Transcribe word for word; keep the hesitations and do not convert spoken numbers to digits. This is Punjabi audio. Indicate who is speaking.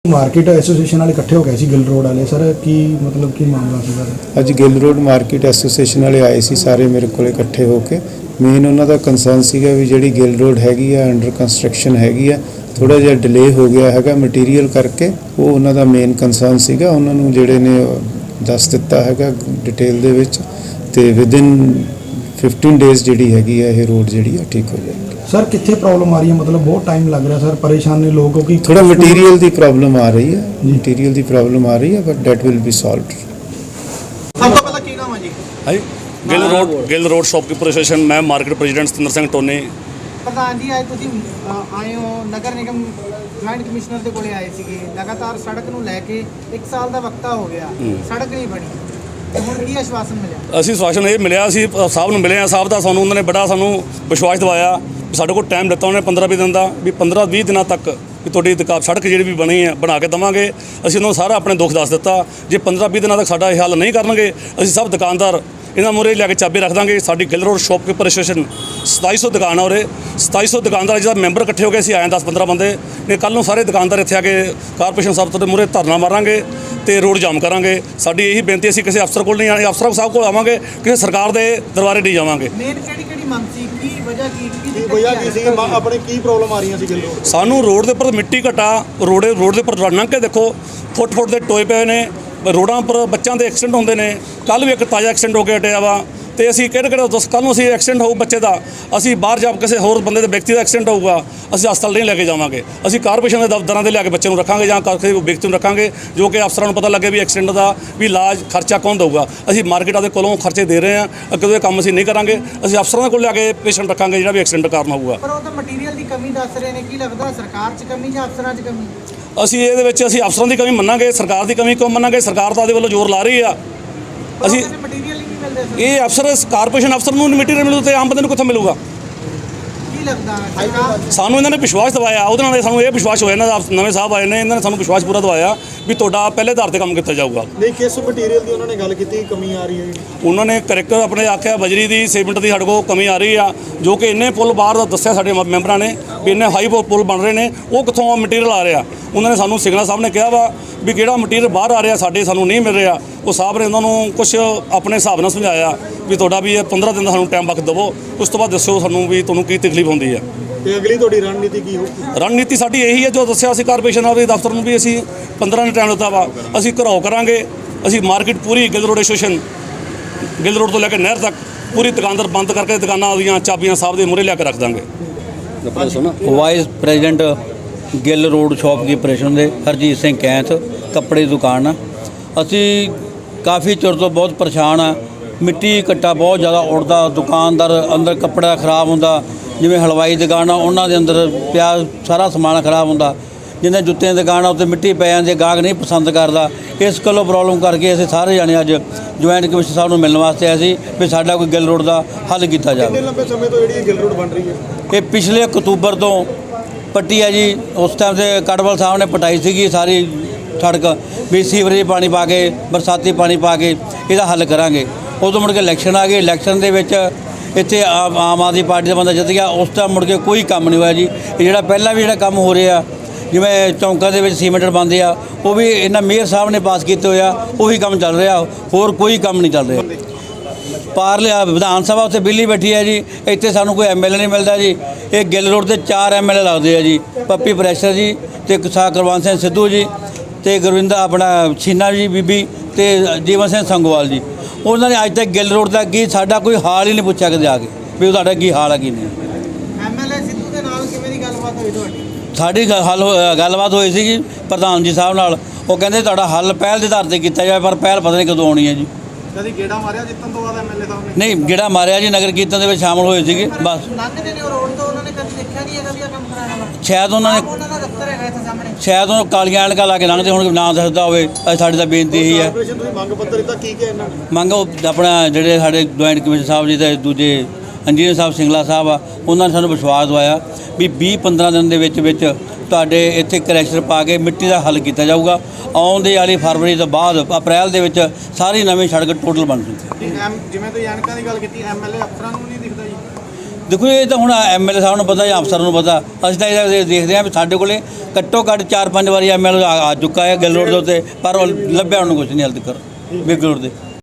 Speaker 1: मार्केट एसोसीएशन वाले इकट्ठे हो गए सी गिल रोड वाले सर की मतलब की मामला सी सर
Speaker 2: अज गिल रोड मार्केट एसोसीएशन वाले आए सी सारे मेरे को इकट्ठे होकर मेन उन्हों का कंसर्न सीगा भी जी गिल रोड हैगी आ अंडर कंस्ट्रक्शन हैगी आ थोड़ा जिहा डिले हो गया है मटीरीयल करके वो उन्हों का मेन कंसर्न सीगा उन्होंने जिहड़े ने दस दिता है डिटेल दे विच ते विदिन फिफ्टीन डेज जी हैगी है ये रोड जी ठीक हो जाएगी।
Speaker 1: सर कितने प्रॉब्लम आ रही है मतलब बहुत टाइम लग रहा है सर परेशान ने लोगों की
Speaker 2: थोड़ा मटीरियल की प्रॉब्लम आ रही है मटीरियल की प्रॉब्लम आ रही है but that will be solved.
Speaker 3: सब तो पहला की नाम है जी
Speaker 4: हां Gill road Gill road shopkeeper association मैं market president Satinder Singh Tony.
Speaker 3: प्रधान जी आज ਤੁਸੀਂ ਆਏ ਹੋ ਨਗਰ ਨਿਗਮ ਜੁਆਇੰਟ ਕਮਿਸ਼ਨਰ ਦੇ ਕੋਲੇ ਆਏ ਸੀਗੇ ਲਗਾਤਾਰ ਸੜਕ ਨੂੰ ਲੈ ਕੇ ਇੱਕ ਸਾਲ ਦਾ ਵਕਤਾ ਹੋ ਗਿਆ ਸੜਕ ਨਹੀਂ ਬਣੀ ਹੁਣ ਕੀ ਆਸ਼ਵਾਸਨ ਮਿਲਿਆ?
Speaker 4: ਅਸੀਂ ਆਸ਼ਵਾਸਨ ਇਹ ਮਿਲਿਆ ਅਸੀਂ ਸਾਹਿਬ ਨੂੰ ਮਿਲੇ ਆ ਸਾਹਿਬ ਦਾ ਸਾਨੂੰ ਉਹਨਾਂ ਨੇ ਬੜਾ ਸਾਨੂੰ ਵਿਸ਼ਵਾਸ ਦਿਵਾਇਆ ਸਾਡੇ ਕੋਲ ਟਾਈਮ ਦਿੱਤਾ ਉਹਨੇ ਪੰਦਰਾਂ ਵੀਹ ਦਿਨ ਦਾ ਵੀ ਪੰਦਰਾਂ ਵੀਹ ਦਿਨਾਂ ਤੱਕ ਵੀ ਤੁਹਾਡੀ ਦੁਕਾਨ ਸੜਕ ਜਿਹੜੀ ਵੀ ਬਣੀ ਹੈ ਬਣਾ ਕੇ ਦੇਵਾਂਗੇ। ਅਸੀਂ ਉਹਨਾਂ ਨੂੰ ਸਾਰਾ ਆਪਣੇ ਦੁੱਖ ਦੱਸ ਦਿੱਤਾ ਜੇ ਪੰਦਰਾਂ ਵੀਹ ਦਿਨਾਂ ਤੱਕ ਸਾਡਾ ਇਹ ਹੱਲ ਨਹੀਂ ਕਰਨਗੇ ਅਸੀਂ ਸਭ ਦੁਕਾਨਦਾਰ ਇਹਨਾਂ ਮੂਹਰੇ ਲੈ ਕੇ ਚਾਬੀ ਰੱਖ ਦਾਂਗੇ। ਸਾਡੀ ਗਿੱਲ ਰੋਡ ਸ਼ੌਪਕੀਪਰ ਐਸੋਸੀਏਸ਼ਨ ਸਤਾਈ ਸੌ ਦੁਕਾਨ ਆ ਉਰੇ ਸਤਾਈ ਸੌ ਦੁਕਾਨਦਾਰ ਜਿਹਦਾ ਮੈਂਬਰ ਇਕੱਠੇ ਹੋ ਗਏ ਅਸੀਂ ਆਏ ਦਸ ਪੰਦਰਾਂ ਬੰਦੇ ਨੇ ਕੱਲ੍ਹ ਨੂੰ ਸਾਰੇ ਦੁਕਾਨਦਾਰ ਇੱਥੇ ਆ ਕੇ ਕਾਰਪੋਰੇਸ਼ਨ ਸਾਹਿਬ ਤੋਂ ਮੂਹਰੇ ਧਰਨਾ ਮਾਰਾਂਗੇ ਤੇ ਰੋਡ ਜਾਮ ਕਰਾਂਗੇ। ਸਾਡੀ ਇਹੀ ਬੇਨਤੀ ਅਸੀਂ ਕਿਸੇ ਅਫਸਰ ਕੋਲ ਨਹੀਂ ਆਣੇ ਅਫਸਰ ਸਾਹਿਬ ਕੋਲ ਆਵਾਂਗੇ ਕਿਸੇ ਸਰਕਾਰ ਦੇ ਦਰਬਾਰੇ ਨਹੀਂ ਜਾਵਾਂਗੇ।
Speaker 3: ਮੇਨ ਕਿਹੜੀ ਕਿਹੜੀ ਮੰਗ ਸੀ ਕੀ ਵਜ੍ਹਾ ਕੀ
Speaker 5: ਕੀ ਵਜ੍ਹਾ ਕੀ ਸੀ ਆਪਣੇ ਕੀ ਪ੍ਰੋਬਲਮ ਆ ਰਹੀਆਂ ਸੀ ਗਿੱਲ ਰੋਡ
Speaker 4: ਸਾਨੂੰ ਰੋਡ ਦੇ ਉੱਪਰ ਮਿੱਟੀ ਘਟਾ ਰੋਡ ਰੋਡ ਦੇ ਉੱਪਰ ਲੰਘ ਕੇ ਦੇਖੋ ਫੁੱਟ ਫੁੱਟ ਦੇ ਟੋਏ ਪਏ ਨੇ ਰੋਡਾਂ ਉੱਪਰ ਬੱਚਿਆਂ ਦੇ ਐਕਸੀਡੈਂਟ ਹੁੰਦੇ ਨੇ ਕੱਲ੍ਹ ਵੀ ਇੱਕ ਤਾਜ਼ਾ ਐਕਸੀਡੈਂਟ ਹੋ ਕੇ ਹਟਿਆ ਵਾ ਤੇ ਅਸੀਂ ਕਿਹੜੇ ਕਿਹੜੇ ਦੱਸ ਕੱਲ੍ਹ ਨੂੰ ਅਸੀਂ ਐਕਸੀਡੈਂਟ ਹੋਊ ਬੱਚੇ ਦਾ ਅਸੀਂ ਬਾਹਰ ਜਾ ਕਿਸੇ ਹੋਰ ਬੰਦੇ ਦੇ ਵਿਅਕਤੀ ਦਾ ਐਕਸੀਡੈਂਟ ਹੋਊਗਾ ਅਸੀਂ ਹਸਪਤਾਲ ਨਹੀਂ ਲੈ ਕੇ ਜਾਵਾਂਗੇ ਅਸੀਂ ਕਾਰਪੋਰੇਸ਼ਨ ਦੇ ਦਫ਼ਤਰਾਂ ਦੇ ਲਿਆ ਕੇ ਬੱਚੇ ਨੂੰ ਰੱਖਾਂਗੇ ਜਾਂ ਕਿਸੇ ਵਿਅਕਤੀ ਨੂੰ ਰੱਖਾਂਗੇ ਜੋ ਕਿ ਅਫਸਰਾਂ ਨੂੰ ਪਤਾ ਲੱਗੇ ਵੀ ਐਕਸੀਡੈਂਟ ਦਾ ਵੀ ਇਲਾਜ ਖਰਚਾ ਕੌਣ ਦੇਊਗਾ। ਅਸੀਂ ਮਾਰਕੀਟਾਂ ਦੇ ਕੋਲੋਂ ਖਰਚੇ ਦੇ ਰਹੇ ਹਾਂ ਅੱਗੇ ਇਹ ਕੰਮ ਅਸੀਂ ਨਹੀਂ ਕਰਾਂਗੇ ਅਸੀਂ ਅਫਸਰਾਂ ਦੇ ਕੋਲ ਲਿਆ ਕੇ ਪੇਸ਼ੈਂਟ ਰੱਖਾਂਗੇ ਜਿਹੜਾ ਵੀ ਐਕਸੀਡੈਂਟ ਕਾਰਨ ਹੋਊਗਾ।
Speaker 3: ਪਰ ਉਹ ਤਾਂ ਮਟੀਰੀਅਲ ਦੀ ਕਮੀ ਦੱਸ ਰਹੇ ਨੇ ਕੀ ਲੱਗਦਾ ਸਰਕਾਰ 'ਚ ਕਮੀ ਜਾਂ ਅਫਸਰਾਂ 'ਚ ਕਮੀ?
Speaker 4: ਅਸੀਂ ਇਹਦੇ ਵਿੱਚ ਅਸੀਂ ਅਫਸਰਾਂ ਦੀ ਕਮੀ ਮੰਨਾਂਗੇ ਸਰਕਾਰ ਦੀ ਕਮੀ ਕਿਉਂ ਮੰਨਾਂਗੇ ਸਰਕਾਰ ਤਾਂ ਉਹਦੇ ਵੱਲੋਂ ਜ਼ੋਰ ਲਾ ਰਹੀ ਆ। ਅਸੀਂ
Speaker 3: ਮਟੀਰੀਅਲ ਹੀ ਨਹੀਂ ਮਿਲਦੇ
Speaker 4: ਇਹ ਅਫਸਰ ਕਾਰਪੋਰੇਸ਼ਨ ਅਫਸਰ ਨੂੰ ਮਟੀਰੀਅਲ ਮਿਲੂ ਤੇ ਆਮ ਬੰਦੇ ਨੂੰ ਕਿੱਥੋਂ ਮਿਲੂਗਾ?
Speaker 3: ਕੀ ਲੱਗਦਾ ਸਰਕਾਰ
Speaker 4: ਸਾਨੂੰ ਇਹਨਾਂ ਨੇ ਵਿਸ਼ਵਾਸ ਦਿਵਾਇਆ ਉਹਦੇ ਨਾਲ ਸਾਨੂੰ ਇਹ ਵਿਸ਼ਵਾਸ ਹੋਇਆ ਇਹਨਾਂ ਦਾ ਨਵੇਂ ਸਾਹਿਬ ਆਏ ਨੇ ਇਹਨਾਂ ਨੇ ਸਾਨੂੰ ਵਿਸ਼ਵਾਸ ਪੂਰਾ ਦਿਵਾਇਆ ਵੀ ਤੁਹਾਡਾ ਪਹਿਲੇ ਆਧਾਰ 'ਤੇ ਕੰਮ ਕੀਤਾ ਜਾਊਗਾ।
Speaker 5: ਨਹੀਂ ਕਿਸ ਮਟੀਰੀਅਲ ਦੀ ਉਹਨਾਂ ਨੇ ਗੱਲ ਕੀਤੀ ਕਮੀ ਆ ਰਹੀ ਹੈ?
Speaker 4: ਉਹਨਾਂ ਨੇ ਕਰੈਕਟਰ ਆਪਣੇ ਆਖਿਆ ਬਜਰੀ ਦੀ ਸੀਮੈਂਟ ਦੀ ਸਾਡੇ ਕੋਲ ਕਮੀ ਆ ਰਹੀ ਆ ਜੋ ਕਿ ਇੰਨੇ ਪੁਲ ਬਾਹਰ ਦਾ ਦੱਸਿਆ ਸਾਡੇ ਮੈਂਬਰਾਂ ਨੇ ਵੀ ਇੰਨੇ ਹਾਈ ਪੁਲ ਬਣ ਰਹੇ ਨੇ ਉਹ ਕਿੱਥੋਂ ਮਟੀਰੀਅਲ ਆ ਰਿਹਾ। ਉਹਨਾਂ ਨੇ ਸਾਨੂੰ ਸਿੰਗਲਾ ਸਾਹਿਬ ਨੇ ਕਿਹਾ ਵਾ ਵੀ ਕਿਹੜਾ ਮਟੀਰੀਅਲ ਬਾਹਰ ਆ ਰਿਹਾ ਸਾਡੇ ਸਾਨੂੰ ਨਹੀਂ ਮਿਲ ਰਿਹਾ। ਉਹ ਸਾਹਿਬ ਨੇ ਉਹਨਾਂ ਨੂੰ ਕੁਛ ਆਪਣੇ ਹਿਸਾਬ ਨਾਲ ਸਮਝਾਇਆ ਵੀ ਤੁਹਾਡਾ ਵੀ ਇਹ ਪੰਦਰਾਂ ਦਿਨ ਦਾ ਸਾਨੂੰ ਟਾਈਮ ਵਕਤ ਦੇਵੋ ਉਸ ਤੋਂ ਬਾਅਦ ਦੱਸਿਓ ਸਾਨੂੰ ਵੀ ਤੁਹਾਨੂੰ ਕੀ ਤਕਲੀਫ ਹੁੰਦੀ ਹੈ।
Speaker 5: ਤੇ ਅਗਲੀ ਤੁਹਾਡੀ ਰਣਨੀਤੀ ਕੀ ਹੋਊਗੀ?
Speaker 4: ਰਣਨੀਤੀ ਸਾਡੀ ਇਹੀ ਹੈ ਜੋ ਦੱਸਿਆ ਅਸੀਂ ਕਾਰਪੋਰੇਸ਼ਨ ਵਾਲੇ ਦਫ਼ਤਰ ਨੂੰ ਵੀ ਅਸੀਂ ਪੰਦਰਾਂ ਦਿਨ ਟਾਈਮ ਦਿੱਤਾ ਵਾ ਅਸੀਂ ਘਰਾਓ ਕਰਾਂਗੇ। ਅਸੀਂ ਮਾਰਕੀਟ ਪੂਰੀ Gill road association Gill road ਤੋਂ ਲੈ ਕੇ ਨਹਿਰ ਤੱਕ ਪੂਰੀ ਦੁਕਾਨਦਾਰ ਬੰਦ ਕਰਕੇ ਦੁਕਾਨਾਂ ਦੀਆਂ ਚਾਬੀਆਂ ਸਾਹਿਬ ਦੇ ਮੂਹਰੇ ਲਿਆ ਕੇ ਰੱਖ ਦਾਂਗੇ।
Speaker 6: Vice president Gill road shopkeeper association ਦੇ ਹਰਜੀਤ ਸਿੰਘ ਕੈਂਥ ਕੱਪੜੇ ਦੀ ਦੁਕਾਨ ਆ। ਅਸੀਂ ਕਾਫੀ ਚਿਰ ਤੋਂ ਬਹੁਤ ਪਰੇਸ਼ਾਨ ਆ ਮਿੱਟੀ ਘੱਟਾ ਬਹੁਤ ਜ਼ਿਆਦਾ ਉੱਡਦਾ ਦੁਕਾਨਦਾਰ ਅੰਦਰ ਕੱਪੜਾ ਖਰਾਬ ਹੁੰਦਾ ਜਿਵੇਂ ਹਲਵਾਈ ਦੁਕਾਨ ਆ ਉਹਨਾਂ ਦੇ ਅੰਦਰ ਪਿਆ ਸਾਰਾ ਸਮਾਨ ਖਰਾਬ ਹੁੰਦਾ ਜਿੰਨੇ ਜੁੱਤਿਆਂ ਦੀ ਦੁਕਾਨ ਆ ਉੱਤੇ ਮਿੱਟੀ ਪੈ ਜਾਂਦੀ ਗਾਹਕ ਨਹੀਂ ਪਸੰਦ ਕਰਦਾ। ਇਸ ਗੱਲੋਂ ਪ੍ਰੋਬਲਮ ਕਰਕੇ ਅਸੀਂ ਸਾਰੇ ਜਾਣੇ ਅੱਜ ਜੁਆਇੰਟ ਕਮਿਸ਼ਨਰ ਸਾਹਿਬ ਨੂੰ ਮਿਲਣ ਵਾਸਤੇ ਆਏ ਸੀ ਵੀ ਸਾਡਾ ਕੋਈ ਗਿੱਲ ਰੋਡ ਦਾ ਹੱਲ ਕੀਤਾ ਜਾਵੇ।
Speaker 5: ਕਿੰਨੇ ਲੰਬੇ ਸਮੇਂ ਤੋਂ ਜਿਹੜੀ ਗਿੱਲ ਰੋਡ ਬਣ ਰਹੀ ਹੈ?
Speaker 6: ਇਹ ਪਿਛਲੇ ਅਕਤੂਬਰ ਤੋਂ ਪੱਟੀ ਹੈ ਜੀ। ਉਸ ਟਾਈਮ ਤੇ ਕੜਵਲ ਸਾਹਿਬ ਨੇ ਪਟਾਈ ਸੀਗੀ ਸਾਰੀ ਸੜਕ ਵੀ ਸੀਵਰੇਜ ਪਾਣੀ ਪਾ ਕੇ ਬਰਸਾਤੀ ਪਾਣੀ ਪਾ ਕੇ ਇਹਦਾ ਹੱਲ ਕਰਾਂਗੇ। ਉਦੋਂ ਮੁੜ ਕੇ ਇਲੈਕਸ਼ਨ ਆ ਗਏ ਇਲੈਕਸ਼ਨ ਦੇ ਵਿੱਚ ਇੱਥੇ ਆਮ ਆਦਮੀ ਪਾਰਟੀ ਦਾ ਬੰਦਾ ਜਿੱਤ ਗਿਆ ਉਸ ਟਾਈਮ ਮੁੜ ਕੇ ਕੋਈ ਕੰਮ ਨਹੀਂ ਹੋਇਆ ਜੀ। ਇਹ ਜਿਹੜਾ ਪਹਿਲਾਂ ਵੀ ਜਿਹੜਾ ਕੰਮ ਹੋ ਰਿਹਾ ਜਿਵੇਂ ਚੌਂਕਾਂ ਦੇ ਵਿੱਚ ਸੀਮੈਂਟ ਬਣਦੇ ਆ ਉਹ ਵੀ ਇਹਨਾਂ ਮੇਅਰ ਸਾਹਿਬ ਨੇ ਪਾਸ ਕੀਤੇ ਹੋਇਆ ਉਹੀ ਕੰਮ ਚੱਲ ਰਿਹਾ ਹੋਰ ਕੋਈ ਕੰਮ ਨਹੀਂ ਚੱਲ ਰਿਹਾ। ਪਾਰਲੇ ਵਿਧਾਨ ਸਭਾ ਉੱਥੇ ਬਿੱਲੀ ਬੈਠੀ ਹੈ ਜੀ ਇੱਥੇ ਸਾਨੂੰ ਕੋਈ ਐਮ ਐਲ ਏ ਨਹੀਂ ਮਿਲਦਾ ਜੀ। ਇਹ ਗਿੱਲ ਰੋਡ 'ਤੇ ਚਾਰ ਐਮ ਐਲ ਏ ਲੱਗਦੇ ਆ ਜੀ ਪੱਪੀ ਪ੍ਰੈਸ਼ਰ ਜੀ ਅਤੇ ਸਾਹ ਕੁਲਵੰਤ ਸਿੰਘ ਸਿੱਧੂ ਜੀ ਅਤੇ ਗੁਰਵਿੰਦਰ ਆਪਣਾ ਛੀਨਾ ਜੀ ਬੀਬੀ ਅਤੇ ਜੀਵਨ ਸਿੰਘ ਸੰਗੋਵਾਲ ਜੀ। ਉਹਨਾਂ ਨੇ ਅੱਜ ਤੱਕ ਗਿੱਲ ਰੋਡ ਦਾ ਕੀ ਸਾਡਾ ਕੋਈ ਹਾਲ ਹੀ ਨਹੀਂ ਪੁੱਛਿਆ ਕਦੇ ਆ ਕੇ ਵੀ ਤੁਹਾਡਾ ਕੀ ਹਾਲ ਆ ਕੀ ਨਹੀਂ।
Speaker 3: ਐਮ ਐਲ ਏ ਸਿੱਧੂ ਦੇ ਨਾਲ ਕਿਵੇਂ ਦੀ ਗੱਲਬਾਤ ਹੋਈ ਤੁਹਾਡੀ?
Speaker 6: ਸਾਡੀ ਹੱਲ ਗੱਲਬਾਤ ਹੋਈ ਸੀਗੀ ਪ੍ਰਧਾਨ ਜੀ ਸਾਹਿਬ ਨਾਲ ਉਹ ਕਹਿੰਦੇ ਤੁਹਾਡਾ ਹੱਲ ਪਹਿਲ ਦੇ ਆਧਾਰ 'ਤੇ ਕੀਤਾ ਜਾਵੇ ਪਰ ਪਹਿਲ ਪਤਾ ਨਹੀਂ ਕਦੋਂ ਆਉਣੀ ਹੈ ਜੀ।
Speaker 5: ਕਦੀ ਗੇੜਾ ਮਾਰਿਆ ਜਿੱਤਣ ਤੋਂ ਬਾਅਦ ਐਮ ਐਲ ਏ ਸਾਹਿਬ ਨੇ?
Speaker 6: ਨਹੀਂ ਗੇੜਾ ਮਾਰਿਆ ਜੀ ਨਗਰ ਕੀਰਤਨ ਦੇ ਵਿੱਚ ਸ਼ਾਮਲ ਹੋਏ ਸੀਗੇ ਬਸ।
Speaker 3: ਲੰਘਦੇ ਨੇ ਉਹ ਰੋਡ ਤੋਂ ਉਹਨਾਂ ਨੇ ਕਦੀ ਦੇਖਿਆ ਨਹੀਂ ਹੈਗਾ ਵੀ ਇਹ ਕੰਮ ਕਰਾਉਣਾ ਵਾ।
Speaker 6: ਸ਼ਾਇਦ ਉਹਨਾਂ ਨੇ
Speaker 3: ਉਹਨਾਂ ਦਾ ਦਫ਼ਤਰ ਹੈਗਾ ਇੱਥੇ ਸਾਹਮਣੇ
Speaker 6: ਸ਼ਾਇਦ ਉਹ ਕਾਲੀਆਂ ਐਨਕਾਂ ਲਾ ਕੇ ਲੰਘਦੇ ਹੁਣ ਨਾ ਦੱਸਦਾ ਹੋਵੇ। ਅੱਜ ਸਾਡੀ ਤਾਂ ਬੇਨਤੀ ਇਹੀ ਹੈ
Speaker 5: ਕਾਰਪੋਰੇਸ਼ਨ ਤੁਸੀਂ ਮੰਗ ਪੱਤਰ ਦਿੱਤਾ ਕੀ ਕਿਹਾ ਇਹਨਾਂ ਨੇ?
Speaker 6: ਮੰਗ ਉਹ ਆਪਣਾ ਜਿਹੜੇ ਸਾਡੇ ਜੁਆਇੰਟ ਕਮਿਸ਼ਨਰ ਸਾਹਿਬ ਜੀ ਤੇ ਦੂਜੇ ਇੰਜੀਨੀਅਰ ਸਾਹਿਬ ਸਿੰਗਲਾ ਸਾਹਿਬ ਆ ਉਹਨਾਂ ਨੇ ਸਾਨੂੰ ਵਿਸ਼ਵਾਸ ਦਵਾਇਆ ਵੀ ਵੀਹ ਪੰਦਰਾਂ ਦਿਨ ਦੇ ਵਿੱਚ ਵਿੱਚ ਤੁਹਾਡੇ ਇੱਥੇ ਕਰੈਕਸ਼ਨ ਪਾ ਕੇ ਮਿੱਟੀ ਦਾ ਹੱਲ ਕੀਤਾ ਜਾਊਗਾ। ਆਉਂਦੇ ਵਾਲੀ ਫਰਵਰੀ ਤੋਂ ਬਾਅਦ ਅਪ੍ਰੈਲ ਦੇ ਵਿੱਚ ਸਾਰੀ ਨਵੀਂ ਸੜਕ ਟੋਟਲ ਬਣ ਜੂਗੀ।
Speaker 5: ਜਿਵੇਂ ਤੁਸੀਂ ਐਨਕਾਂ ਦੀ ਗੱਲ ਕੀਤੀ ਐਮ ਐਲ ਏ ਅਫਸਰਾਂ ਨੂੰ ਨਹੀਂ ਦਿਖਦਾ ਜੀ?
Speaker 6: ਦੇਖੋ ਇਹ ਤਾਂ ਹੁਣ ਐਮਐਲਏ ਸਾਹਿਬ ਨੂੰ ਪਤਾ ਜਾਂ ਅਫਸਰ ਨੂੰ ਪਤਾ। ਅਸੀਂ ਤਾਂ ਇਹ ਦੇਖਦੇ ਹਾਂ ਵੀ ਸਾਡੇ ਕੋਲੇ ਘੱਟੋ ਘੱਟ ਚਾਰ ਪੰਜ ਵਾਰੀ ਐਮਐਲਏ ਆ ਚੁੱਕਾ ਹੈ ਗਿੱਲ ਰੋਡ ਦੇ ਉੱਤੇ, ਪਰ ਉਹ ਲੱਭਿਆ ਉਹਨੂੰ ਕੁਝ ਨਹੀਂ ਹਾਲੇ ਤੱਕ ਗਿੱਲ ਰੋਡ ਦੇ।